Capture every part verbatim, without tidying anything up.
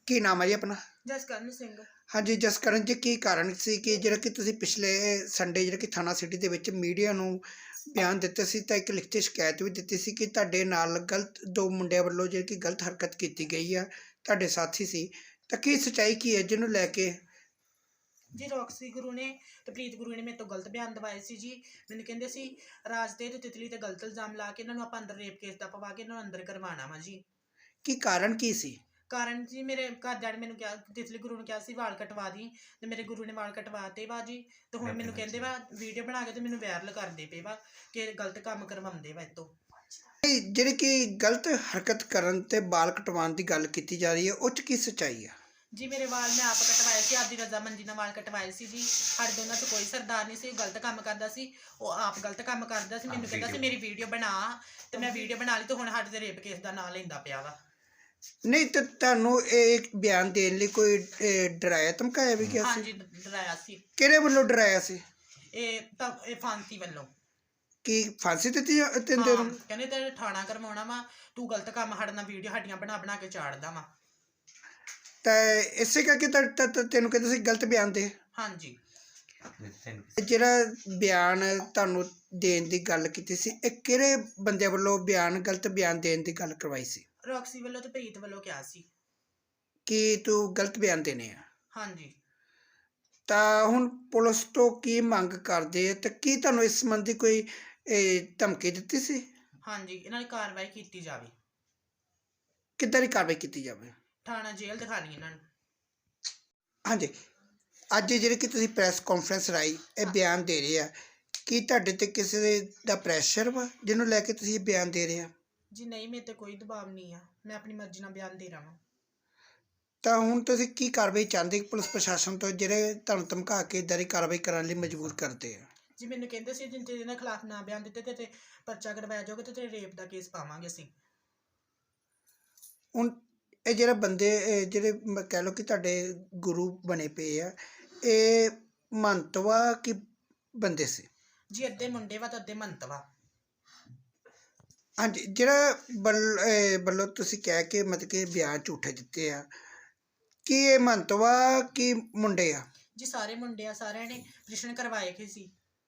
ਕੀ ਨਾਮ ਹੈ ਜੀ ਆਪਣਾ? ਜਸਕਰਨ ਸਿੰਘ। ਹਾਂਜੀ ਜਸਕਰਨ ਜੀ, ਕੀ ਕਾਰਨ ਸੀ ਕਿ ਜਿਹੜਾ ਕਿ ਤੁਸੀਂ ਪਿਛਲੇ ਸੰਡੇ ਜਿਹੜਾ ਕਿ ਥਾਣਾ ਸਿਟੀ ਦੇ ਵਿੱਚ ਮੀਡੀਆ ਨੂੰ ਬਿਆਨ ਦਿੱਤੇ ਸੀ ਤਾਂ ਇੱਕ ਲਿਖਤੀ ਸ਼ਿਕਾਇਤ ਵੀ ਦਿੱਤੀ ਸੀ ਕਿ ਤੁਹਾਡੇ ਨਾਲ ਗਲਤ ਦੋ ਮੁੰਡਿਆਂ ਵੱਲੋਂ ਜਿਹੜੀ ਕਿ ਗਲਤ ਹਰਕਤ ਕੀਤੀ ਗਈ ਆ, ਤੁਹਾਡੇ ਸਾਥੀ ਸੀ, ਤਾਂ ਕੀ ਸੱਚਾਈ ਕੀ ਹੈ ਜਿਹਨੂੰ ਲੈ ਕੇ? ਜੀ ਰੌਕਸੀ ਗੁਰੂ ਨੇ ਤੇ ਪ੍ਰੀਤ ਗੁਰੂ ਨੇ ਮੇਰੇ ਤੋਂ ਗਲਤ ਬਿਆਨ ਦਵਾਏ ਸੀ ਜੀ। ਮੈਨੂੰ ਕਹਿੰਦੇ ਸੀ ਰਾਜ ਤੇ ਤੇ ਤਿਤਲੀ ਤੇ ਗਲਤ ਇਲਜ਼ਾਮ ਲਾ ਕੇ ਇਹਨਾਂ ਨੂੰ ਆਪਾਂ ਅੰਦਰ ਰੇਪ ਕੇਸ ਦਾ ਪਵਾ ਕੇ ਇਹਨਾਂ ਨੂੰ ਅੰਦਰ ਕਰਵਾਉਣਾ ਵਾ ਜੀ। ਕੀ ਕਾਰਨ ਕੀ ਸੀ? ਕਾਰਨ ਜੀ ਮੇਰੇ ਘਰਦਿਆਂ ਨੇ ਮੈਨੂੰ ਕਿਹਾ, ਤਿਤਲੀ ਗੁਰੂ ਨੂੰ ਕਿਹਾ ਸੀ ਵਾਲ ਕਟਵਾ ਦੀ, ਤੇ ਮੇਰੇ ਗੁਰੂ ਨੇ ਵਾਲ ਕਟਵਾਤੇ ਵਾ ਜੀ। ਤੇ ਹੁਣ ਮੈਨੂੰ ਕਹਿੰਦੇ ਵਾ ਵੀਡੀਓ ਬਣਾ ਕੇ ਤੇ ਮੈਨੂੰ ਵਾਇਰਲ ਕਰਦੇ ਪਏ ਵਾ ਕਿ ਗਲਤ ਕੰਮ ਕਰਵਾਉਂਦੇ ਵਾ ਇਹ ਤੋਂ। ਜਿਹੜੀ ਕਿ ਗਲਤ ਹਰਕਤ ਕਰਨ ਤੇ ਵਾਲ ਕਟਵਾਉਣ ਦੀ ਗੱਲ ਕੀਤੀ ਜਾ ਰਹੀ ਹੈ, ਉਹ 'ਚ ਕੀ ਸੱਚਾਈ ਆ? ਜੀ ਮੇਰੇ ਵਾਲ ਮੈਂ ਆਪ ਕਟਵਾਏ ਸੀ, ਆਪਦੀ ਰਜ਼ਾਮੰਦੀ ਨਾਲ ਵਾਲ ਕਟਵਾਏ ਸੀ ਜੀ। ਸਾਡੇ ਦੋਨਾਂ 'ਚ ਕੋਈ ਸਰਦਾਰ ਨਹੀਂ ਸੀ, ਗਲਤ ਕੰਮ ਕਰਦਾ ਸੀ, ਉਹ ਆਪ ਗਲਤ ਕੰਮ ਕਰਦਾ ਸੀ। ਮੈਨੂੰ ਕਹਿੰਦਾ ਸੀ ਮੇਰੀ ਵੀਡੀਓ ਬਣਾ, ਤੇ ਮੈਂ ਵੀਡੀਓ ਬਣਾ ਲਈ, ਤੇ ਹੁਣ ਸਾਡੇ ਤੇ ਰੇਪ ਕੇਸ ਦਾ ਨਾਂ ਲੈਂਦਾ ਪਿਆ ਵਾ। ਨਹੀਂ ਤਾਂ ਤੁਹਾਨੂੰ ਇਹ ਬਿਆਨ ਦੇਣ ਲਈ ਕੋਈ ਡਰਾਇਆ ਧਮਕਾਇਆ ਵੀ ਗਿਆ ਸੀ? ਹਾਂਜੀ ਡਰਾਇਆ ਸੀ। ਕਿਹੜੇ ਵੱਲੋਂ ਡਰਾਇਆ ਸੀ? ਇਹ ਤਾਂ ਇਹ ਫਾਂਸੀ ਵੱਲੋਂ। ਕੀ ਫਾਂਸੀ ਦਿੱਤੀ ਦਿੰਦੇ ਨੂੰ? ਕਹਿੰਦੇ ਤੇ ਠਾਣਾ ਕਰਵਾਉਣਾ ਵਾ, ਤੂੰ ਗਲਤ ਕੰਮ ਸਾਡੇ ਨਾਲ ਵੀਡੀਓ ਸਾਡੀਆਂ ਬਣਾ ਬਣਾ ਕੇ ਚਾੜਦਾ ਵਾ। ਤਾਂ ਇਸੇ ਕਰਕੇ ਤਾਂ ਤੈਨੂੰ ਕਹਿੰਦੇ ਸੀ ਗਲਤ ਬਿਆਨ ਦੇ? ਹਾਂਜੀ। ਜਿਹੜਾ ਬਿਆਨ ਤੁਹਾਨੂੰ ਦੇਣ ਦੀ ਗੱਲ ਕੀਤੀ ਸੀ, ਇਹ ਕਿਹੜੇ ਬੰਦੇ ਵੱਲੋਂ ਬਿਆਨ ਗਲਤ ਬਿਆਨ ਦੇਣ ਦੀ ਗੱਲ ਕਰਵਾਈ ਸੀ? ਰੌਕਸੀ ਵੱਲੋਂ ਤੇ ਪ੍ਰੀਤ ਵੱਲੋਂ ਕਿਹਾ ਸੀ ਕਿ ਤੂੰ ਗਲਤ ਬਿਆਨ ਦੇਣੇ ਆ। ਹਾਂਜੀ। ਤਾਂ ਹੁਣ ਪੁਲਿਸ ਤੋਂ ਕੀ ਮੰਗ ਕਰਦੇ ਤੇ ਕੀ ਤੁਹਾਨੂੰ ਇਸ ਸੰਬੰਧੀ ਕੋਈ ਧਮਕੀ ਦਿੱਤੀ ਸੀ? ਹਾਂਜੀ, ਇਹਨਾਂ ਦੀ ਕਾਰਵਾਈ ਕੀਤੀ ਜਾਵੇ। ਕਿੱਦਾਂ ਦੀ ਕਾਰਵਾਈ ਕੀਤੀ ਜਾਵੇ? ਥਾਣਾ ਜੇਲ੍ਹ ਦਿਖਾਣੀ ਇਹਨਾਂ ਨੂੰ। ਹਾਂਜੀ, ਅੱਜ ਜਿਹੜੇ ਕਿ ਤੁਸੀਂ ਪ੍ਰੈਸ ਕਾਨਫਰੰਸ ਰਾਹੀਂ ਇਹ ਬਿਆਨ ਦੇ ਰਹੇ ਆ, ਕੀ ਤੁਹਾਡੇ ਤੇ ਕਿਸੇ ਦਾ ਪ੍ਰੈਸ਼ਰ ਵਾ ਜਿਹਨੂੰ ਲੈ ਕੇ ਤੁਸੀਂ ਇਹ ਬਿਆਨ ਦੇ ਰਹੇ ਆ? ਜੀ ਨਹੀਂ, ਮੇਰੇ ਤੇ ਕੋਈ ਦਬਾਅ ਨਹੀਂ ਆ, ਮੈਂ ਆਪਣੀ ਮਰਜ਼ੀ ਨਾਲ ਬਿਆਨ ਦੇ ਰਹਾ। ਤਾਂ ਹੁਣ ਤੁਸੀਂ ਕੀ ਕਾਰਵਾਈ ਚਾਹੁੰਦੇ ਪੁਲਿਸ ਪ੍ਰਸ਼ਾਸਨ ਤੋਂ, ਜਿਹੜੇ ਤੁਹਾਨੂੰ ਧਮਕਾ ਕੇ ਇੱਦਾਂ ਦੀ ਕਾਰਵਾਈ ਕਰਨ ਲਈ ਮਜਬੂਰ ਕਰਦੇ ਆ? ਜੀ ਮੈਨੂੰ ਕਹਿੰਦੇ ਸੀ ਜਿੰਨੇ ਇਹਨਾਂ ਖਿਲਾਫ ਨਾ ਬਿਆਨ ਦਿੱਤੇ ਤੇ ਪਰਚਾ ਕਰਵਾਇਆ ਜਾਊਗਾ ਤੇ ਤੇਰੇ ਰੇਪ ਦਾ ਕੇਸ ਪਾਵਾਂਗੇ ਅਸੀਂ। ਹੁਣ ਇਹ ਜਿਹੜੇ ਬੰਦੇ ਜਿਹੜੇ ਕਹਿ ਲਓ ਕਿ ਤੁਹਾਡੇ ਗੁਰੂ ਬਣੇ ਪਏ ਆ, ਇਹ ਮੰਤਵਾ ਕੀ ਬੰਦੇ ਸੀ? ਜੀ ਅੱਧੇ ਮੁੰਡੇ ਵਾ ਤੇ ਅੱਧੇ ਮੰਤਵਾ। ਹਾਂਜੀ, ਜਿਹੜਾ ਵੱਲ ਵੱਲੋਂ ਤੁਸੀਂ ਕਹਿ ਕੇ ਮਤਲਬ ਕਿ ਬਿਆਨ ਝੂਠੇ ਦਿੱਤੇ ਆ, ਕੀ ਇਹ ਮੰਤਵਾ ਕੀ ਮੁੰਡੇ ਆ? ਜੀ ਸਾਰੇ ਮੁੰਡੇ ਆ, ਸਾਰਿਆਂ ਨੇ ਪ੍ਰਸ਼ਨ ਕਰਵਾਏ ਕਿ ਸੀ।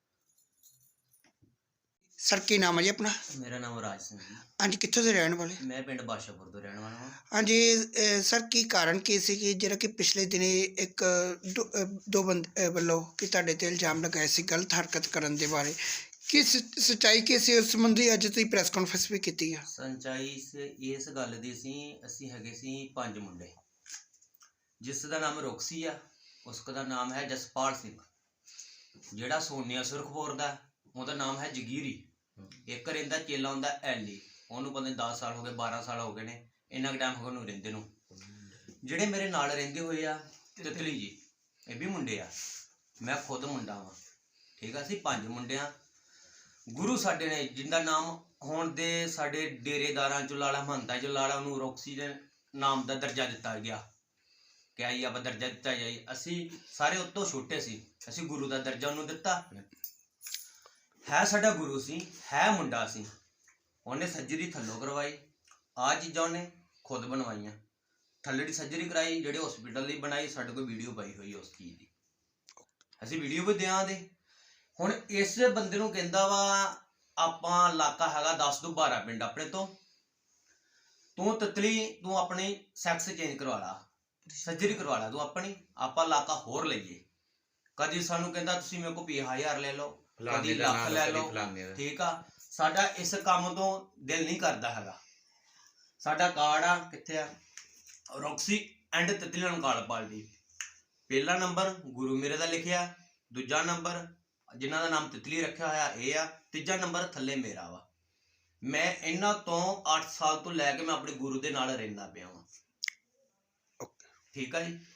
ਸਰ ਕੀ ਨਾਮ ਹੈ ਜੀ ਆਪਣਾ? ਮੇਰਾ ਨਾਮ ਰਾਜ ਸਿੰਘ ਜੀ। ਹਾਂਜੀ, ਕਿੱਥੋਂ ਦੇ ਰਹਿਣ ਵਾਲੇ? ਮੈਂ ਪਿੰਡ ਬਾਸ਼ਾਪੁਰ ਤੋਂ ਰਹਿਣ ਵਾਲਾ ਹਾਂ। ਹਾਂਜੀ ਸਰ, ਕੀ ਕਾਰਨ ਕੀ ਸੀ ਕਿ ਜਿਹੜਾ ਕਿ ਪਿਛਲੇ ਦਿਨੀ ਇੱਕ ਦੋ ਦੋ ਬੰਦੇ ਵੱਲੋਂ ਕਿ ਤੁਹਾਡੇ ਤੇ ਇਲਜ਼ਾਮ ਲਗਾਏ ਸੀ ਗਲਤ ਹਰਕਤ ਕਰਨ ਦੇ ਬਾਰੇ, ਕੀ ਸੱਚਾਈ ਕੀ ਸੀ ਉਸ ਸੰਬੰਧੀ ਅੱਜ ਤੁਸੀਂ ਪ੍ਰੈਸ ਕਾਨਫਰੰਸ ਵੀ ਕੀਤੀ ਆ? ਸੱਚਾਈ ਇਸ ਗੱਲ ਦੀ ਸੀ, ਅਸੀਂ ਹੈਗੇ ਸੀ ਪੰਜ ਮੁੰਡੇ, ਜਿਸ ਦਾ ਨਾਮ ਰੌਕਸੀ ਆ, ਉਸ ਦਾ ਨਾਮ ਹੈ ਜਸਪਾਲ ਸਿੰਘ, ਜਿਹੜਾ ਸੋਨੀਆ ਸੁਰਖਪੁਰ ਦਾ, ਉਹਦਾ ਨਾਮ ਹੈ ਜਗੀਰੀ। ਇੱਕ ਰਹਿੰਦਾ ਚੇਲਾ ਹੁੰਦਾ ਐਲੀ, ਉਹਨੂੰ ਪਤਾ ਨਹੀਂ ਦਸ ਸਾਲ ਹੋ ਗਏ ਬਾਰਾਂ ਸਾਲ ਹੋ ਗਏ ਨੇ, ਇੰਨਾ ਕੁ ਟਾਈਮ ਹੋ ਗਿਆ ਉਹਨੂੰ ਰਹਿੰਦੇ ਨੂੰ। ਜਿਹੜੇ ਮੇਰੇ ਨਾਲ ਰਹਿੰਦੇ ਹੋਏ ਆ ਤਿਤਲੀ ਜੀ, ਇਹ ਵੀ ਮੁੰਡੇ ਆ, ਮੈਂ ਖੁਦ ਮੁੰਡਾ ਵਾਂ, ਠੀਕ ਆ। ਅਸੀਂ ਪੰਜ ਮੁੰਡੇ ਆ। ਗੁਰੂ ਸਾਡੇ ਨੇ, ਜਿਹਦਾ ਨਾਮ ਹੁਣ ਦੇ ਸਾਡੇ ਡੇਰੇਦਾਰਾਂ ਚੋਂ ਲਾਲਾ ਮਹੰਤਾਂ ਚੋਂ ਲਾਲਾ, ਉਹਨੂੰ ਰੌਕਸੀ ਦੇ ਨਾਮ ਦਾ ਦਰਜਾ ਦਿੱਤਾ ਗਿਆ ਕਿ ਆਈ ਆਪਾਂ ਦਰਜਾ ਦਿੱਤਾ ਜਾਈ। ਅਸੀਂ ਸਾਰੇ ਉਤੋਂ ਛੋਟੇ ਸੀ, ਅਸੀਂ ਗੁਰੂ ਦਾ ਦਰਜਾ ਉਹਨੂੰ ਦਿੱਤਾ। ਹੈ ਸਾਡਾ ਗੁਰੂ ਸੀ, ਹੈ ਮੁੰਡਾ ਸੀ। ਉਹਨੇ ਸਰਜਰੀ ਥੱਲੋਂ ਕਰਵਾਈ, ਆਹ ਚੀਜ਼ਾਂ ਉਹਨੇ ਖੁਦ ਬਣਵਾਈਆਂ। ਥੱਲੇ ਦੀ ਸਰਜਰੀ ਕਰਾਈ, ਜਿਹੜੇ ਹਸਪੀਟਲ ਦੀ ਬਣਾਈ, ਸਾਡੇ ਕੋਲ ਵੀਡੀਓ ਪਾਈ ਹੋਈ ਉਸ ਚੀਜ਼ ਦੀ, ਅਸੀਂ ਵੀਡੀਓ ਵੀ ਦਿਆਂਗੇ। ਹੁਣ ਇਸ ਬੰਦੇ ਨੂੰ ਕਹਿੰਦਾ ਵਾ ਆਪਾਂ ਇਲਾਕਾ ਹੈਗਾ ਦਸ ਤੋਂ ਬਾਰਾਂ ਪਿੰਡ ਆਪਣੇ ਤੋਂ, ਤੂੰ ਤਿਤਲੀ ਤੂੰ ਆਪਣੀ ਸੈਕਸ ਚੇਂਜ ਕਰਵਾ ਲਾ, ਸਰਜਰੀ ਕਰਵਾ ਲਾ ਤੂੰ ਆਪਣੀ, ਆਪਾਂ ਇਲਾਕਾ ਹੋਰ ਲਈਏ। ਕਦੀ ਸਾਨੂੰ ਕਹਿੰਦਾ ਤੁਸੀਂ ਮੇਰੇ ਕੋਲ ਪੰਜਾਹ ਹਜ਼ਾਰ ਲੈ ਲਓ, ਕਦੀ ਲੱਖ ਲੈ ਲਓ, ਠੀਕ ਆ। ਸਾਡਾ ਇਸ ਕੰਮ ਤੋਂ ਦਿਲ ਨਹੀਂ ਕਰਦਾ ਹੈਗਾ। ਸਾਡਾ ਕਾਰਡ ਆ, ਕਿੱਥੇ ਆ, ਰੌਕਸੀ ਐਂਡ ਤਿਤਲੀ ਨਾਲ ਕਾਰਡ ਪਾਲਦੀ। ਪਹਿਲਾ ਨੰਬਰ ਗੁਰੂ ਮੇਰੇ ਦਾ ਲਿਖਿਆ, ਦੂਜਾ ਨੰਬਰ ਜਿਨ੍ਹਾਂ ਦਾ ਨਾਮ ਤਿਤਲੀ ਰੱਖਿਆ ਹੋਇਆ ਇਹ ਆ, ਤੀਜਾ ਨੰਬਰ ਥੱਲੇ ਮੇਰਾ ਵਾ। ਮੈਂ ਇਹਨਾਂ ਤੋਂ ਅੱਠ ਸਾਲ ਤੋਂ ਲੈ ਕੇ ਮੈਂ ਆਪਣੇ ਗੁਰੂ ਦੇ ਨਾਲ ਰਹਿੰਦਾ ਪਿਆ ਵਾਂ, ਠੀਕ ਆ ਜੀ।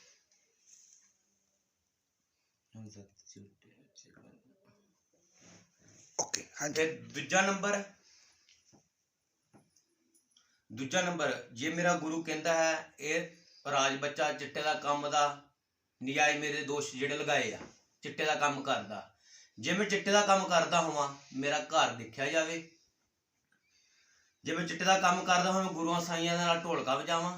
ਓਕੇ, ਹਾਂਜੀ। ਦੂਜਾ ਨੰਬਰ ਦੂਜਾ ਨੰਬਰ ਜੇ ਮੇਰਾ ਗੁਰੂ ਕਹਿੰਦਾ ਹੈ ਇਹ ਰਾਜ ਬੱਚਾ ਚਿੱਟੇ ਦਾ ਕੰਮ ਦਾ ਨਜਾਇਜ਼ ਮੇਰੇ ਦੋਸ਼ ਜਿਹੜੇ ਲਗਾਏ ਆ, ਚਿੱਟੇ ਦਾ ਕੰਮ ਕਰਦਾ, ਜੇ ਮੈਂ ਚਿੱਟੇ ਦਾ ਕੰਮ ਕਰਦਾ ਹੋਵਾਂ ਮੇਰਾ ਘਰ ਦੇਖਿਆ ਜਾਵੇ। ਜੇ ਮੈਂ ਚਿੱਟੇ ਦਾ ਕੰਮ ਕਰਦਾ ਹੋਵਾਂ ਗੁਰੂਆਂ ਸਾਈਆਂ ਦੇ ਨਾਲ ਢੋਲਕਾ ਵਜਾਵਾਂ,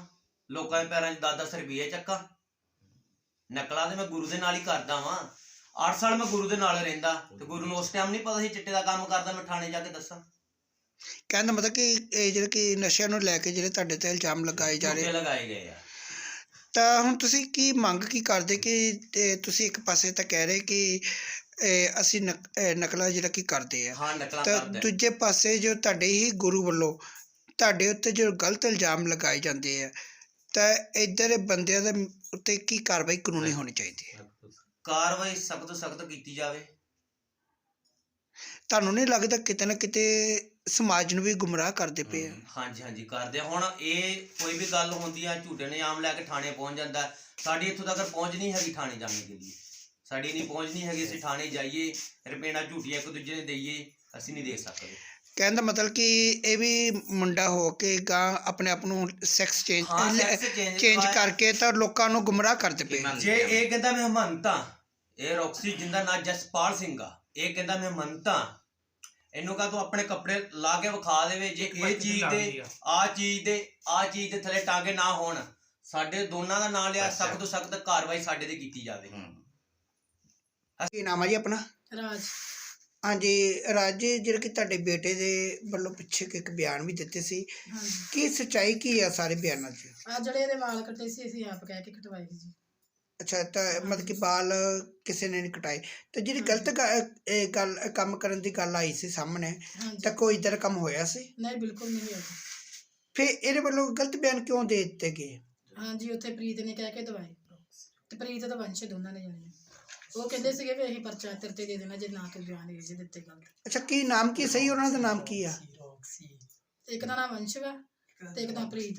ਲੋਕਾਂ ਦੇ ਪੈਰਾਂ 'ਚ ਦਸ ਦਸ ਰੁਪਏ ਚੱਕਾਂ। ਨਕਲਾਂ ਤੇ ਮੈਂ ਗੁਰੂ ਦੇ ਨਾਲ ਹੀ ਕਰਦਾ ਵਾਂ। ਅੱਠ ਸਾਲ ਮੈਂ ਗੁਰੂ ਦੇ ਨਾਲ ਰਹਿੰਦਾ ਤੇ ਗੁਰੂ ਨੂੰ ਉਸ ਟਾਈਮ ਨਹੀਂ ਪਤਾ ਸੀ ਚਿੱਟੇ ਦਾ ਕੰਮ ਕਰਦਾ। ਮੈਂ ਥਾਣੇ ਜਾ ਕੇ ਦੱਸਾਂ। ਕਹਿਣ ਦਾ ਮਤਲਬ ਕਿ ਇਹ ਜਿਹੜੇ ਕਿ ਨਸ਼ਿਆਂ ਨੂੰ ਲੈ ਕੇ ਜਿਹੜੇ ਤੁਹਾਡੇ ਤੇ ਇਲਜ਼ਾਮ ਲਗਾਏ ਜਾ ਰਹੇ ਝੂਠੇ ਲਗਾਏ ਗਏ ਆ। ਤਾਂ ਹੁਣ ਤੁਸੀਂ ਕੀ ਮੰਗ ਕੀ ਕਰਦੇ ਕਿ ਇਹ ਤੁਸੀਂ ਇੱਕ ਪਾਸੇ ਤਾਂ ਕਹਿ ਰਹੇ ਕਿ ਇਹ ਅਸੀਂ ਨਕ ਇਹ ਨਕਲਾਂ ਜਿਹੜਾ ਕਿ ਕਰਦੇ ਆ, ਹਾਂ ਨਕਲਾਂ ਤਾਂ ਕਰਦੇ। ਦੂਜੇ ਪਾਸੇ ਜੋ ਤੁਹਾਡੇ ਹੀ ਗੁਰੂ ਵੱਲੋਂ ਤੁਹਾਡੇ ਉੱਤੇ ਜੋ ਗਲਤ ਇਲਜ਼ਾਮ ਲਗਾਏ ਜਾਂਦੇ ਆ, ਤਾਂ ਇੱਧਰ ਦੇ ਬੰਦਿਆਂ ਦੇ ਉੱਤੇ ਕੀ ਕਾਰਵਾਈ ਕਾਨੂੰਨੀ ਹੋਣੀ ਚਾਹੀਦੀ ਹੈ? ਕਾਰਵਾਈ ਸਖਤ ਤੋਂ ਸਖਤ ਕੀਤੀ ਜਾਵੇ। ਤੁਹਾਨੂੰ ਨਹੀਂ ਲੱਗਦਾ ਕਿਤੇ ਨਾ ਕਿਤੇ ਸਮਾਜ ਨੂੰ ਵੀ ਗੁੰਮਰਾਹ ਕਰਦੇ ਪਏ ਆ? ਹਾਂਜੀ ਹਾਂਜੀ ਕਰਦੇ ਆ। ਹੁਣ ਇਹ ਕੋਈ ਵੀ ਗੱਲ ਹੁੰਦੀ ਆ ਝੂਠੇ ਨਿਯਮ ਲੈ ਕੇ ਥਾਣੇ ਪਹੁੰਚ ਜਾਂਦਾ। ਸਾਡੀ ਇੱਥੋਂ ਤੱਕ ਪਹੁੰਚ ਨਹੀਂ ਹੈਗੀ ਥਾਣੇ ਜਾਣ ਦੇ ਲਈ। ਸਾਡੀ ਨਹੀਂ ਪਹੁੰਚ ਨਹੀਂ ਹੈਗੀ ਅਸੀਂ ਥਾਣੇ ਜਾਈਏ ਰੁਪਈਆ ਝੂਠੀਆਂ ਇੱਕ ਦੂਜੇ ਨੂੰ ਦੇਈਏ, ਅਸੀਂ ਨਹੀਂ ਦੇ ਸਕਦੇ। ਕਹਿਣ ਦਾ ਮਤਲਬ ਕਿ ਇਹ ਵੀ ਮੁੰਡਾ ਹੋ ਕੇ ਗਾਂ ਆਪਣੇ ਆਪ ਨੂੰ ਸੈਕਸ ਚੇਂਜ ਹਾਂ, sex change ਚੇਂਜ ਕਰਵਾਇਆ। ਕਰਕੇ ਤਾਂ ਲੋਕਾਂ ਨੂੰ ਗੁੰਮਰਾਹ ਕਰਦੇ ਪਏ। ਜੇ ਇਹ ਕਹਿੰਦਾ ਮੈਂ ਹਮੰਤਾ, ਇਹ ਰੌਕਸੀ ਜਿੰਦਾ ਨਾਂ ਜਸਪਾਲ ਸਿੰਘ ਆ, ਇਹ ਕਹਿੰਦਾ ਮੈਂ ਹਮੰਤਾ, ਇਹਨੂੰ ਕਹ ਤੂੰ ਆਪਣੇ ਕੱਪੜੇ ਲਾ ਕੇ ਵਿਖਾ ਦੇਵੇ। ਜੇ ਇਹ ਚੀਜ਼ ਦੇ ਆਹ ਚੀਜ਼ ਦੇ ਆਹ ਚੀਜ਼ ਦੇ ਥੱਲੇ ਟਾਂਗੇ ਨਾ ਹੋਣ, ਸਾਡੇ ਦੋਨਾਂ ਦਾ ਨਾਂ ਲਿਆ, ਸਖਤ ਤੋਂ ਸਖਤ ਕਾਰਵਾਈ ਸਾਡੇ ਤੇ ਕੀਤੀ ਜਾਵੇ। ਕੀ ਨਾਮ ਹੈ ਜੀ ਆਪਣਾ? ਰਾਜ। ਹਾਂਜੀ ਰਾਜ ਜੀ, ਜਿਹੜੇ ਕਿ ਤੁਹਾਡੇ ਬੇਟੇ ਦੇ ਵੱਲੋਂ ਪਿੱਛੇ ਇੱਕ ਬਿਆਨ ਵੀ ਦਿੱਤੇ ਸੀ, ਹਾਂਜੀ। ਕੀ ਸੱਚਾਈ ਕੀ ਆ ਸਾਰੇ ਬਿਆਨਾਂ 'ਚ? ਆ ਜਿਹੜੇ ਇਹਦੇ ਵਾਲ ਕੱਟੇ ਸੀ ਅਸੀਂ ਆਪ ਕਹਿ ਕੇ ਕਟਵਾਏ ਸੀ ਜੀ। ਅੱਛਾ, ਤਾਂ ਮਤਲਬ ਕਿ ਬਾਲ ਕਿਸੇ ਨੇ ਨਹੀਂ ਕਟਾਏ, ਤੇ ਜਿਹੜੀ ਗਲਤ ਗ- ਇਹ ਗੱਲ ਕੰਮ ਕਰਨ ਦੀ ਗੱਲ ਆਈ ਸੀ ਸਾਹਮਣੇ, ਹਾਂਜੀ। ਤਾਂ ਕੋਈ ਇੱਧਰ ਕੰਮ ਹੋਇਆ ਸੀ? ਨਹੀਂ ਬਿਲਕੁਲ ਨਹੀਂ ਹੋਇਆ। ਫਿਰ ਇਹਦੇ ਵੱਲੋਂ ਗਲਤ ਬਿਆਨ ਕਿਉਂ ਦੇ ਦਿੱਤੇ ਗਏ? ਹਾਂਜੀ, ਉੱਥੇ ਪ੍ਰੀਤ ਨੇ ਕਹਿ ਕੇ ਦਵਾਏ ਤੇ ਪ੍ਰੀਤ ਤੇ ਵੰਸ਼ ਦੋਨਾਂ ਨੇ ਜਾਣੇ। ਉਹ ਕਹਿੰਦੇ ਸੀਗੇ ਵੀ ਅਸੀਂ ਪਰਚਾ ਤੇਰੇ ਤੇ ਦੇ ਦੇਣਾ ਜੇ ਨਾ ਕੋਈ ਬਿਆਨ ਦੇ ਜੇ ਦਿੱਤੇ ਗਲਤ। ਅੱਛਾ, ਕੀ ਨਾਮ ਕੀ ਸਹੀ ਉਹਨਾਂ ਦਾ ਨਾਮ ਕੀ ਆ? ਇੱਕ ਦਾ ਨਾਮ ਵੰਸ਼ ਵਾ ਤੇ ਇੱਕ ਦਾ ਪ੍ਰੀਤ।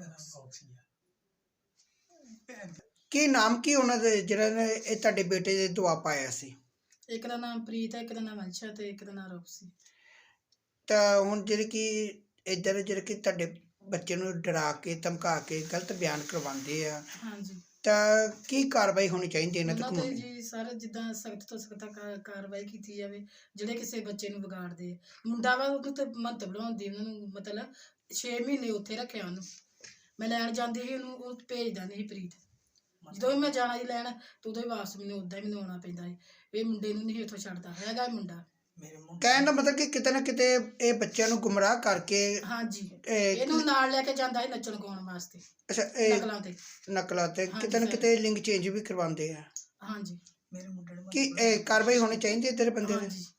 ਕੀ ਨਾਮ ਕੀ ਉਹਨਾਂ ਦੇ ਜਿਹੜਾ ਨੇ ਇਹ ਤੁਹਾਡੇ ਬੇਟੇ ਦੇ ਦੁਆ ਪਾਇਆ ਸੀ? ਇੱਕ ਦਾ ਨਾਮ ਪ੍ਰੀਤ ਹੈ, ਇੱਕ ਦਾ ਨਾਮ ਵੰਸ਼ ਹੈ ਤੇ ਇੱਕ ਦਾ ਨਾਮ ਰੋਕਸੀ। ਤਾਂ ਹੁਣ ਜਿਹੜੇ ਕਿ ਇੱਧਰ ਜਿਹੜੇ ਕਿ ਤੁਹਾਡੇ ਬੱਚੇ ਨੂੰ ਡਰਾ ਕੇ ਧਮਕਾ ਕੇ ਗਲਤ ਬਿਆਨ ਕਰਵਾਉਂਦੇ ਆ, ਹਾਂਜੀ। ਤਾਂ ਕੀ ਕਾਰਵਾਈ ਹੋਣੀ ਚਾਹੀਦੀ ਇਹਨਾਂ ਤੇ ਉਹਨਾਂ ਤੇ ਕਾਨੂੰਨੀ? ਜੀ ਸਰ ਜਿੱਦਾਂ ਸਖਤ ਤੋਂ ਸਖਤ ਕਾਰਵਾਈ ਕੀਤੀ ਜਾਵੇ ਜਿਹੜੇ ਕਿਸੇ ਬੱਚੇ ਨੂੰ ਵਿਗਾੜਦੇ ਆ। ਮੁੰਡਾ ਵਾ ਉਹਨੂੰ ਤੇ ਮਹੰਤ ਬਣਾਉਂਦੀ ਉਹਨਾਂ ਨੂੰ, ਮਤਲਬ ਛੇ ਮਹੀਨੇ ਉੱਥੇ ਰੱਖਿਆ ਉਹਨੂੰ। ਮੈਂ ਲੈਣ ਜਾਂਦੀ ਸੀ ਉਹਨੂੰ, ਉਹ ਭੇਜਦਾ ਨਹੀਂ ਸੀ ਪ੍ਰੀਤ। ਜਦੋਂ ਵੀ ਮੈਂ ਜਾਣਾ ਜੀ ਲੈਣ ਤਾਂ ਉਦੋਂ ਹੀ ਵਾਪਸ ਮੈਨੂੰ ਉੱਦਾਂ ਹੀ ਮੈਨੂੰ ਆਉਣਾ ਪੈਂਦਾ ਸੀ। ਇਹ ਮੁੰਡੇ ਨੂੰ ਨਹੀਂ ਉੱਥੋਂ ਛੱਡਦਾ ਹੈਗਾ ਇਹ ਮੁੰਡਾ। ਕਹਿਣ ਦਾ ਮਤਲਬ ਕਿ ਕਿਤੇ ਨਾ ਕਿਤੇ ਇਹ ਬੱਚਿਆਂ ਨੂੰ ਗੁੰਮਰਾਹ ਕਰਕੇ ਹਾਂਜੀ, ਇਹ ਇਹਨੂੰ ਨਾਲ ਲੈ ਕੇ ਜਾਂਦਾ ਸੀ ਨੱਚਣ ਗਾਉਣ ਵਾਸਤੇ ਅੱਛਾ ਇਹ ਨਕਲਾਂ ਤੇ। ਨਕਲਾਂ ਤੇ ਹਾਂਜੀ ਕਿਤੇ ਨਾ ਸਰ। ਕਿਤੇ ਲਿੰਗ ਚੇਂਜ ਵੀ ਕਰਵਾਉਂਦੇ ਆ। ਹਾਂਜੀ ਕੀ ਇਹ ਕਾਰਵਾਈ ਹੋਣੀ ਚਾਹੀਦੀ ਹੈ ਤੇਰੇ ਬੰਦੇ ਦੀ? ਹਾਂਜੀ।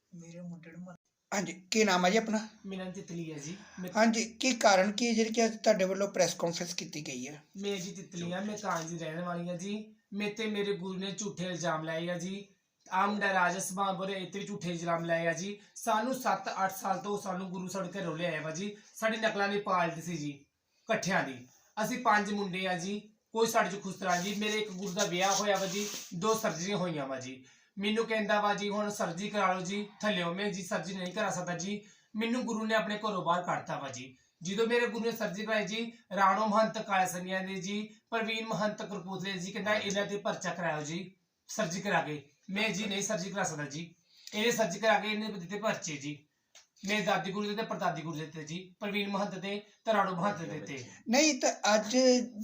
ਹਾਂਜੀ, ਕੀ ਨਾਮ ਹੈ ਜੀ ਆਪਣਾ? ਮੇਰਾ ਤਿਤਲੀ ਹੈ ਜੀ। ਮੈਂ ਹਾਂਜੀ, ਕੀ ਕਾਰਨ ਕੀ ਹੈ ਜਿਹੜੀ ਕਿ ਅੱਜ ਤੁਹਾਡੇ ਵੱਲੋਂ ਪ੍ਰੈਸ ਕਾਨਫਰੰਸ ਕੀਤੀ ਗਈ ਹੈ? ਮੈਂ ਜੀ ਤਿਤਲੀ ਹਾਂ, ਮੈਂ ਕਾਂਜ ਦੀ ਰਹਿਣ ਵਾਲੀ ਹਾਂ ਜੀ। ਮੇਰੇ ਤੇ ਮੇਰੇ ਗੁਰੂ ਨੇ ਝੂਠੇ ਇਲਜ਼ਾਮ ਲਾਏ ਆ ਜੀ। ਆਹ ਮੁੰਡਾ ਰਾਜਸਥਾਨ ਬੋਰੇ ਇੱਥੇ ਵੀ ਝੂਠੇ ਇਲਜ਼ਾਮ ਲਾਏ ਆ ਜੀ। ਸਾਨੂੰ ਸੱਤ ਅੱਠ ਸਾਲ ਤੋਂ ਸਾਨੂੰ ਗੁਰੂ ਸਾਡੇ ਘਰੋਂ ਲਿਆਇਆ ਵਾ ਜੀ। ਸਾਡੀ ਨਕਲਾਂ ਦੀ ਪਾਲਟੀ ਸੀ ਜੀ ਇਕੱਠਿਆਂ ਦੀ। ਅਸੀਂ ਪੰਜ ਮੁੰਡੇ ਆ ਜੀ, ਕੋਈ ਸਾਡੇ ਚ ਖੁਸਤਰਾ ਜੀ। ਮੇਰੇ ਇੱਕ ਗੁਰੂ ਦਾ ਵਿਆਹ ਹੋਇਆ ਵਾ ਜੀ, ਦੋ ਸਰਜਰੀਆਂ ਹੋਈਆਂ ਵਾ ਜੀ। ਮੈਨੂੰ ਕਹਿੰਦਾ ਵਾ ਜੀ ਹੁਣ ਸਰਜਰੀ ਕਰਾ ਲਓ ਜੀ ਥੱਲਿਓ। ਮੈਂ ਜੀ ਸਰਜਰੀ ਨਹੀਂ ਕਰਾ ਸਕਦਾ ਜੀ। ਮੈਨੂੰ ਗੁਰੂ ਨੇ ਆਪਣੇ ਘਰੋਂ ਬਾਹਰ ਕੱਢਤਾ ਵਾ ਜੀ। ਜਦੋਂ ਮੇਰੇ ਗੁਰੂ ਨੇ ਸਰਜਰੀ ਕਰਾਈ ਜੀ, ਰਾਣੋ ਮਹੰਤ ਕਾਲਸਨੀਆਂ ਦੇ ਜੀ, ਪ੍ਰਵੀਨ ਮਹੰਤ ਕਰਪੂਤਲੇ ਜੀ ਕਹਿੰਦਾ ਇਹਨਾਂ ਤੇ ਪਰਚਾ ਕਰਾਓ ਜੀ ਸਰਜਰੀ ਕਰਾ ਕੇ। ਮੈਂ ਜੀ ਨਹੀਂ ਸਰਜਰੀ ਕਰਾ ਸਕਦਾ ਜੀ। ਇਹਨੇ ਸਰਜਰੀ ਕਰਾ ਕੇ ਇਹਨੇ ਦਿੱਤੇ ਪਰਚੇ ਜੀ। ਮੇਰੇ ਦਾਦੀ ਗੁਰੂ ਦੇ ਤੇ ਪਰਦਾਦੀ ਗੁਰੂ ਦੇ ਤੇ ਜੀ, ਪ੍ਰਵੀਨ ਮਹੰਤ ਤੇ ਤੇ ਰਾਣੋ ਮਹੰਤ ਦੇ ਤੇ। ਨਹੀਂ ਤਾਂ ਅੱਜ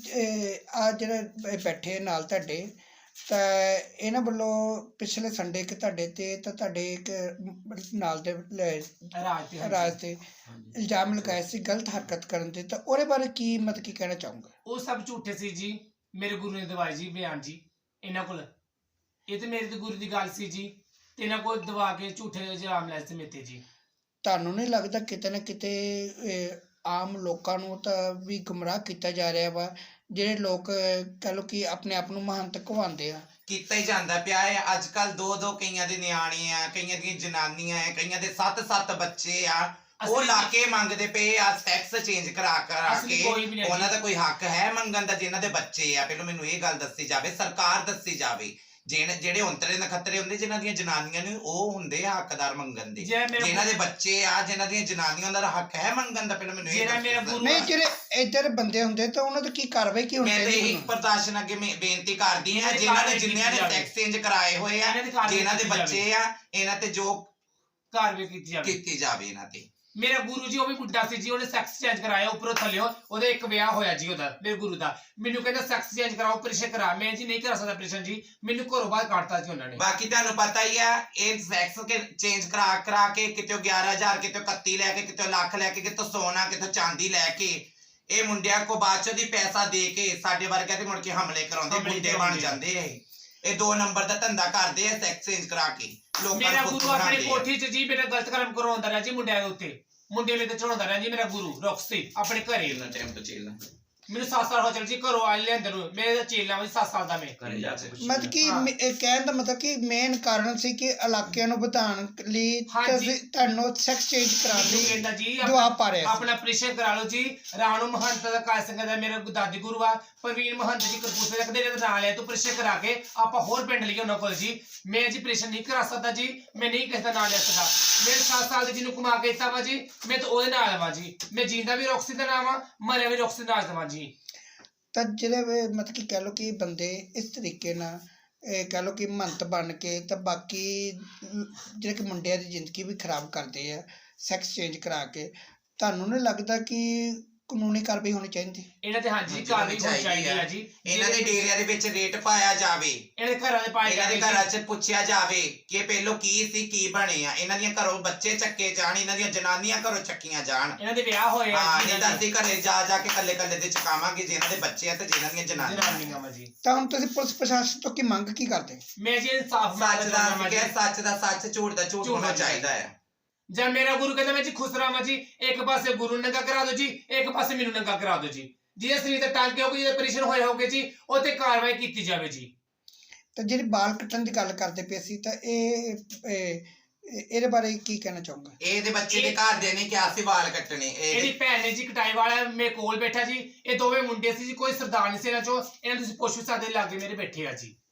ਆ ਜਿਹੜੇ ਬੈਠੇ ਨਾਲ ਤੁਹਾਡੇ, ਤਾਂ ਇਹਨਾਂ ਵੱਲੋਂ ਪਿਛਲੇ ਸੰਡੇ ਕਿ ਤੁਹਾਡੇ ਤੇ ਤਾਂ ਤੁਹਾਡੇ ਇੱਕ ਨਾਲ ਦੇ ਰਾਜ ਤੇ ਰਾਜ ਤੇ ਇਲਜ਼ਾਮ ਲਗਾਏ ਸੀ ਗਲਤ ਹਰਕਤ ਕਰਨ ਦੇ, ਤਾਂ ਉਹਦੇ ਬਾਰੇ ਕੀ ਮਤਲਬ ਕੀ ਕਹਿਣਾ ਚਾਹੂੰਗਾ? ਉਹ ਸਭ ਝੂਠੇ ਸੀ ਜੀ। ਮੇਰੇ ਗੁਰੂ ਨੇ ਦਵਾਈ ਜੀ ਬਿਆਨ ਜੀ ਇਹਨਾਂ ਕੋਲ। ਇਹ ਤੇ ਮੇਰੇ ਤੇ ਗੁਰੂ ਦੀ ਗੱਲ ਸੀ ਜੀ, ਤੇ ਇਹਨਾਂ ਕੋਲ ਦਵਾ ਕੇ ਝੂਠੇ ਇਲਜ਼ਾਮ ਲਾਏ ਸੀ ਮੇਰੇ ਤੇ ਜੀ। ਤੁਹਾਨੂੰ ਨਹੀਂ ਲੱਗਦਾ ਕਿਤੇ ਨਾ ਕਿਤੇ ਇਹ ਆਮ ਲੋਕਾਂ ਨੂੰ ਤਾਂ ਵੀ ਗੁੰਮਰਾਹ ਕੀਤਾ ਜਾ ਰਿਹਾ ਵਾ? ਜਿਹੜੇ ਲੋਕ ਕਹਿ ਲਓ ਕਿ ਆਪਣੇ ਆਪ ਨੂੰ ਮਹੰਤ ਕਹਾਉਂਦੇ ਆ, ਕੀਤਾ ਹੀ ਜਾਂਦਾ ਪਿਆ ਹੈ ਅੱਜ ਕੱਲ। ਦੋ ਦੋ ਕਈਆਂ ਦੇ ਨਿਆਣੇ ਆ, ਕਈਆਂ ਦੀਆਂ ਜਨਾਨੀਆਂ ਆ, ਕਈਆਂ ਦੇ ਸੱਤ ਸੱਤ ਬੱਚੇ ਆ, ਉਹ ਲਾ ਕੇ ਮੰਗਦੇ ਪਏ ਆ ਸੈਕਸ ਚੇਂਜ ਕਰਾ ਕਰਾ ਕੇ। ਉਹਨਾਂ ਦਾ ਕੋਈ ਹੱਕ ਹੈ ਮੰਗਣ ਦਾ? ਜਿਨ੍ਹਾਂ ਦੇ ਬੱਚੇ ਆ, ਪਹਿਲਾਂ ਮੈਨੂੰ ਇਹ ਗੱਲ ਦੱਸੀ ਜਾਵੇ, ਸਰਕਾਰ ਦੱਸੀ ਜਾਵੇ। ਜਿਹੜੇ ਜਿਹੜੇ ਉਂਤਰੇ ਨਖੱਤਰੇ ਹੁੰਦੇ ਜਿਨ੍ਹਾਂ ਦੀਆਂ ਜਨਾਨੀਆਂ ਨੇ, ਉਹ ਹੁੰਦੇ ਆ ਹੱਕਦਾਰ ਮੰਗਣ ਦੇ। ਜਿਨ੍ਹਾਂ ਦੇ ਬੱਚੇ ਆ, ਜਿਨ੍ਹਾਂ ਦੀਆਂ ਜਨਾਨੀਆਂ ਦਾ ਹੱਕ ਹੈ ਮੰਗਣ ਦਾ, ਪਹਿਲਾਂ ਮੈਨੂੰ ਇਹ ਦੱਸੋ। ਨਹੀਂ ਜਿਹੜੇ ਇੱਧਰ ਬੰਦੇ ਹੁੰਦੇ ਤਾਂ ਉਹਨਾਂ ਦੀ ਕੀ ਕਾਰਵਾਈ ਕੀ ਹੋਣੀ ਮੈਂ ਤੇ ਚਾਹੀਦੀ? ਇੱਕ ਪ੍ਰਦਰਸ਼ਨ ਅੱਗੇ ਮੈਂ ਬੇਨਤੀ ਕਰਦੀ ਹਾਂ, ਜਿਨ੍ਹਾਂ ਨੇ ਜਿੰਨਿਆਂ ਨੇ ਸੈਕਸ ਚੇਂਜ ਕਰਾਏ ਹੋਏ ਆ, ਜਿਨ੍ਹਾਂ ਦੇ ਬੱਚੇ ਆ, ਇਹਨਾਂ ਤੇ ਜੋ ਕਾਰਵਾਈ ਕੀਤੀ ਜਾਵੇ ਕੀਤੀ ਜਾਵੇ ਇਹਨਾਂ ਤੇ। ਮੇਰਾ ਗੁਰੂ ਜੀ ਉਹ ਵੀ ਬੁੱਢਾ ਸੀ ਜੀ, ਉਹਨੇ ਸੈਕਸ ਚੇਂਜ ਕਰਾਇਆ ਉੱਪਰੋਂ ਥੱਲਿਓ, ਉਹਦੇ ਇੱਕ ਵਿਆਹ ਹੋਇਆ ਜੀ ਉਹਦਾ, ਮੇਰੇ ਗੁਰੂ ਦਾ। ਮੈਨੂੰ ਕਹਿੰਦਾ ਸੈਕਸ ਚੇਂਜ ਕਰਾਓ, ਆਪਰੇਸ਼ਨ ਕਰਾ। ਮੈਂ ਜੀ ਨਹੀਂ ਕਰਾ ਸਕਦਾ ਆਪਰੇਸ਼ਨ ਜੀ, ਮੈਨੂੰ ਘਰੋਂ ਬਾਹਰ ਕੱਢਤਾ ਜੀ ਉਹਨਾਂ ਨੇ। ਬਾਕੀ ਤੁਹਾਨੂੰ ਪਤਾ ਹੀ ਆ ਇਹ ਸੈਕਸ ਕੇ ਚੇਂਜ ਕਰਾ ਕਰਾ ਕੇ ਕਿਤੇ ਗਿਆਰਾਂ ਹਜ਼ਾਰ, ਕਿਤੇ ਇਕੱਤੀ ਲੈ ਕੇ, ਕਿਤੇ ਲੱਖ ਲੈ ਕੇ, ਕਿਤੇ ਸੋਨਾ, ਕਿਤੇ ਚਾਂਦੀ ਲੈ ਕੇ ਇਹ ਮੁੰਡਿਆਂ ਕੋ ਬਾਅਦ ਚੋਂ ਦੀ ਪੈਸਾ ਦੇ ਕੇ ਸਾਡੇ ਵਰਗਿਆਂ ਤੇ ਮੁੜ ਕੇ ਹਮਲੇ ਕਰਾਉਂਦੇ, ਮੁੰਡੇ ਬਣ ਜਾਂਦੇ ਆ। ਇਹ ਦੋ ਨੰਬਰ ਦਾ ਧੰਦਾ ਕਰਦੇ ਆ ਸੈਕਸ ਚੇਂਜ ਕਰਾ ਕੇ ਲੋਕਾਂ ਮੇਰਾ ਨੂੰ ਗੁਰੂ ਆਪਣੀ ਕੋਠੀ 'ਚ ਜੀ ਮੇਰਾ ਗਲਤ ਕੰਮ ਕਰਵਾਉਂਦਾ ਰਿਹਾ ਜੀ ਮੁੰਡਿਆਂ ਦੇ ਉੱਤੇ, ਮੁੰਡੇ ਲਈ ਤੇ ਚੜਾਉਂਦਾ ਰਿਹਾ ਜੀ ਮੇਰਾ ਗੁਰੂ ਰੌਕਸੀ ਆਪਣੇ ਘਰੇ। ਇੰਨਾ ਟਾਈਮ ਤੋਂ ਚੇਲਾ ਮੈਨੂੰ ਸੱਤ ਸਾਲ ਹੋ ਚੱਲ ਜੀ ਘਰੋਂ ਆ ਲਿਆਂਦੇ ਨੂੰ, ਮੇਰੇ ਚੇਲਾ ਵਾ ਸੱਤ ਸਾਲ ਦਾ ਮੈਂ। ਘਰੇ ਜਾ ਕੇ ਮਤਲਬ ਕਿ ਹਾਂ। ਮੇ- ਇਹ ਕਹਿਣ ਦਾ ਮਤਲਬ ਕਿ ਮੇਨ ਕਾਰਨ ਸੀ ਕਿ ਇਲਾਕਿਆਂ ਨੂੰ ਵਧਾਉਣ ਲਈ ਹਾਂਜੀ। ਤੁਸੀਂ- ਤੁਹਾਨੂੰ ਸੈਕਸ ਚੇਂਜ ਕਰਾਉਣ ਮੈਨੂੰ ਲਈ ਕਹਿੰਦਾ ਜੀ ਜਵਾਬ ਪਾ ਰਿਹਾ ਸੀ। ਆਪਣਾ ਆਪਰੇਸ਼ਨ ਕਰਾ ਲਓ ਜੀ। ਰਾਣੂ ਮਹੰਤ ਦਾ ਕਾਲ ਸਿੰਘ ਦਾ ਮੇਰਾ ਦਾਦੀ ਗੁਰੂ ਆ, ਪ੍ਰਵੀਨ ਮਹੰਤ ਜੀ ਕਰਪੂਸੇ ਦਾ ਕਦੇ ਇਹਦਾ ਨਾਂ ਲਿਆ ਤੂੰ ਆਪਰੇਸ਼ਨ ਕਰਾ ਕੇ ਆਪਾਂ ਹੋਰ ਪਿੰਡ ਲਈ ਉਹਨਾਂ ਕੋਲ ਜੀ। ਮੈਂ ਜੀ ਆਪਰੇਸ਼ਨ ਨਹੀਂ ਕਰਾ ਸਕਦਾ ਜੀ, ਮੈਂ ਨਹੀਂ ਕਿਸੇ ਦਾ ਨਾਂ ਲੈ ਸਕਦਾ। ਮੇਰੇ ਸੱਤ ਸਾਲ ਦੇ ਜਿਹਨੂੰ ਕਮਾ ਕੇ ਦਿੱਤਾ ਵਾ ਜੀ, ਮੈਂ ਤਾਂ ਉਹਦੇ ਨਾਲ ਆਵਾਂ ਜੀ। ਮੈਂ ਜਿੰਦਾ ਵੀ ਰੌਕਸੀ ਦਾ ਨਾਮ ਆ, ਮਰਿਆ ਵੀ ਰੌਕਸੀ ਨਾਲ ਦੇਵਾਂ ਜੀ। ਤਾਂ ਜਿਹੜੇ ਵੀ ਮਤਲਬ ਕਿ ਕਹਿ ਲਓ ਕਿ ਬੰਦੇ ਇਸ ਤਰੀਕੇ ਨਾਲ ਇਹ ਕਹਿ ਲਓ ਕਿ ਮਹੰਤ ਬਣ ਕੇ ਤਾਂ ਬਾਕੀ ਅਮ, ਜਿਹੜੇ ਕਿ ਮੁੰਡਿਆਂ ਦੀ ਜ਼ਿੰਦਗੀ ਵੀ ਖਰਾਬ ਕਰਦੇ ਆ ਸੈਕਸ ਚੇਂਜ ਕਰਾ ਕੇ, ਤੁਹਾਨੂੰ ਨਹੀਂ ਲੱਗਦਾ ਕਿ ਕਾਨੂੰਨੀ ਕਾਰਵਾਈ ਹੋਣੀ ਚਾਹੀਦੀ? ਇਹਨਾਂ ਤੇ ਹਾਂਜੀ ਕਾਰਵਾਈ ਹੋਣੀ ਚਾਹੀਦੀ ਆ ਜੀ। ਇਹਨਾਂ ਦੇ ਡੇਰਿਆਂ ਦੇ ਵਿੱਚ ਰੇਟ ਪਾਇਆ ਜਾਵੇ, ਇਹਨਾਂ ਦੇ ਘਰਾਂ ਦੇ ਪਾਏ ਇਹਨਾਂ ਦੇ ਜਾਵੇ ਘਰਾਂ 'ਚ ਪੁੱਛਿਆ ਜਾਵੇ ਕਿ ਪਹਿਲੋਂ ਕੀ ਸੀ ਕੀ ਬਣੇ ਆ। ਇਹਨਾਂ ਦੀਆਂ ਘਰੋਂ ਬੱਚੇ ਚੱਕੇ ਜਾਣ, ਇਹਨਾਂ ਦੀਆਂ ਜਨਾਨੀਆਂ ਘਰੋਂ ਚੱਕੀਆਂ ਜਾਣ। ਇਹਨਾਂ ਦੇ ਵਿਆਹ ਹੋਏ ਆ ਹਾਂ ਜੀ ਨਹੀਂ ਇਹਨਾਂ ਤਾਂ ਦੇ ਅਸੀਂ ਘਰੇ ਜਾ ਜਾ ਕੇ ਕੱਲੇ ਕੱਲੇ ਦੇ ਚਕਾਵਾਂਗੇ ਜਿਨ੍ਹਾਂ ਦੇ ਬੱਚੇ ਆ ਤੇ ਜਿਨ੍ਹਾਂ ਦੀਆਂ ਜਨਾਨੀਆਂ। ਜਨਾਨੀਆਂ ਵਾ ਜੀ। ਤਾਂ ਹੁਣ ਤੁਸੀਂ ਪੁਲਿਸ ਪ੍ਰਸ਼ਾਸਨ ਤੋਂ ਕੀ ਮੰਗ ਕੀ ਕਰਦੇ? ਮੈਂ ਜੀ ਇਨਸਾਫ ਸੱਚ ਦਾ ਅਸੀਂ ਕਿਹਾ ਸੱਚ ਦਾ ਸੱਚ, ਝੂਠ ਦਾ ਝੂਠ ਝੂਠ ਹੋਣਾ ਹੋਣਾ ਚਾਹੀਦਾ ਹੈ। ਜਾਂ ਮੇਰਾ ਗੁਰੂ ਕਹਿੰਦਾ ਮੈਂ ਜੀ ਖੁਸ਼ ਰਹਾਂ ਜੀ, ਇੱਕ ਪਾਸੇ ਗੁਰੂ ਨੂੰ ਨੰਗਾ ਕਰਾ ਦਿਓ ਜੀ, ਇੱਕ ਪਾਸੇ ਮੈਨੂੰ ਨੰਗਾ ਕਰਾ ਦਿਓ ਜੀ। ਜਿਹਦੇ ਸਰੀਰ ਤੇ ਟਾਂਕੇ ਹੋਗੇ, ਜਿਹਦੇ ਆਪਰੇਸ਼ਨ ਹੋਏ ਹੋਗੇ ਜੀ, ਉਹ ਤੇ ਕਾਰਵਾਈ ਕੀਤੀ ਜਾਵੇ ਜੀ। ਤਾਂ ਜਿਹੜੀ ਬਾਲ ਕੱਟਣ ਦੀ ਗੱਲ ਕਰਦੇ ਪਏ ਸੀ ਤਾਂ ਇਹ ਇਹ- ਇਹਦੇ ਬਾਰੇ ਕੀ ਕਹਿਣਾ ਚਾਹੋਗੇ? ਇਹਦੇ ਬੱਚੇ ਦੇ ਘਰ ਦੇ ਨੇ ਕਿਹਾ ਸੀ ਵਾਲ ਕੱਟਣੇ। ਇਹਦੀ ਇਹ ਭੈਣ ਨੇ ਜੀ ਕਟਾਈ ਵਾਲਾ ਮੇਰੇ ਕੋਲ ਬੈਠਾ ਜੀ। ਇਹ ਦੋਵੇਂ ਮੁੰਡੇ ਸੀ ਜੀ, ਕੋਈ ਸਰਦਾਰ ਨਹੀਂ ਸੀ ਇਹਨਾਂ ਚੋਂ। ਇਹਨਾਂ ਨੂੰ ਤੁਸੀਂ ਪੁੱਛ ਵੀ ਸਕਦੇ, ਲਾਗੇ ਮੇਰੇ ਬੈਠੇ ਆ ਜੀ।